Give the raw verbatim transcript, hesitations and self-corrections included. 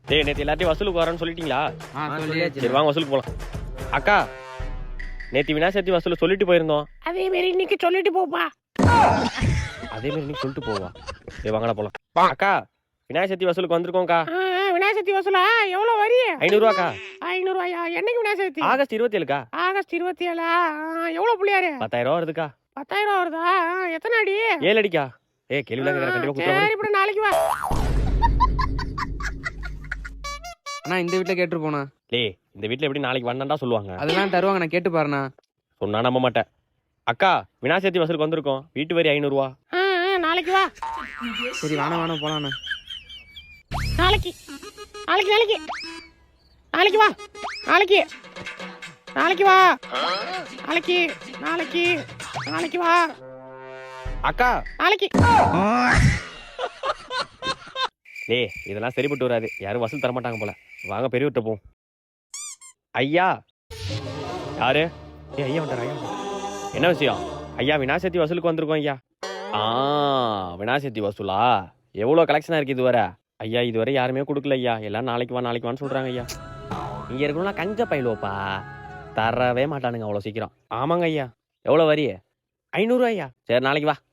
டேய் நேத்து எல்லாத்தையும் வசூலுக்கு வரேன்னு சொல்லிட்டீங்களா? சரி வாங்க வசூலுக்கு போலாம். அக்கா நேத்து விநாயகர் சதுர்த்தி வசூல் சொல்லிட்டு போயிருந்தோம். அதே மாதிரி இன்னைக்கு சொல்லிட்டு போப்பா. அதே மாதிரி இன்னைக்கு சொல்லிட்டு போவா. சரி வாங்கடா போலாம். அக்கா விநாயகர் சதுர்த்தி வசூலுக்கு வந்திருக்கோம்க்கா. விநாயகர் சதுர்த்தி வசூலா எவ்வளவு வரி? ஐநூறு ரூபாக்கா. ஐநூறு ரூபாயா? என்னைக்கு விநாயகர் சதுர்த்தி? ஆகஸ்ட் இருபத்தி ஏழுக்கா. ஆகஸ்ட் இருபத்தி ஏழா? எவ்வளவு புள்ளியாரு? பத்தாயிரம் ரூபா வருதுக்கா. பத்தாயிரம் ரூபா வருதா? எத்தனை அடி? ஏழு அடிக்கா. ஏ கேள்விலாம் கேட்கற கண்டிப்பா குத்துறேன். சரி இப்ப நாளைக்கு வா. அண்ணா இந்த வீட்ல கேட்டு போனா. டேய் இந்த வீட்ல எப்படி நாளைக்கு வந்தா சொல்லுவாங்க? அதெல்லாம் தருவாங்க, நான் கேட்டு பாருண்ணா. சொன்னா நம்ப மாட்டேன். அக்கா விநாயகர் சதுர்த்தி வசூலுக்கு வந்திருக்கோம். வீட்டு வரி ஐநூறு ரூபா. நாளைக்கு வா. சரி வாணா வாணா போலாண்ணா. நாளைக்கு நாளைக்கு நாளைக்கு நாளைக்கு வா. நாளைக்கு நாளைக்கு வா. நாளைக்கு நாளைக்கு நாளைக்கு வா. அக்கா நாளைக்கு. டேய் இதெல்லாம் சரிப்பட்டு வராது. யாரும் வசூல் தர மாட்டாங்க போல. வாங்க பெரியவர்கிட்ட போவோம். ஐயா யாரு? ஏ ஐயா வந்துட்டார். ஐயா என்ன விஷயம்? ஐயா விநாயகர் சதுர்த்தி வசூலுக்கு வந்திருக்கோம் ஐயா. ஆ விநாயகர் சதுர்த்தி வசூலா? எவ்வளோ கலெக்ஷனாக இருக்குது இதுவரை? ஐயா இதுவரை யாருமே கொடுக்கல ஐயா. எல்லாம் நாளைக்கு வா நாளைக்கு வான்னு சொல்கிறாங்க ஐயா. இங்கே இருக்கணும்னா கஞ்ச பயிலுவப்பா தரவே மாட்டானுங்க அவ்வளோ சீக்கிரம். ஆமாங்க ஐயா. எவ்வளோ வரி? ஐநூறுரூவா ஐயா. சரி நாளைக்கு வா.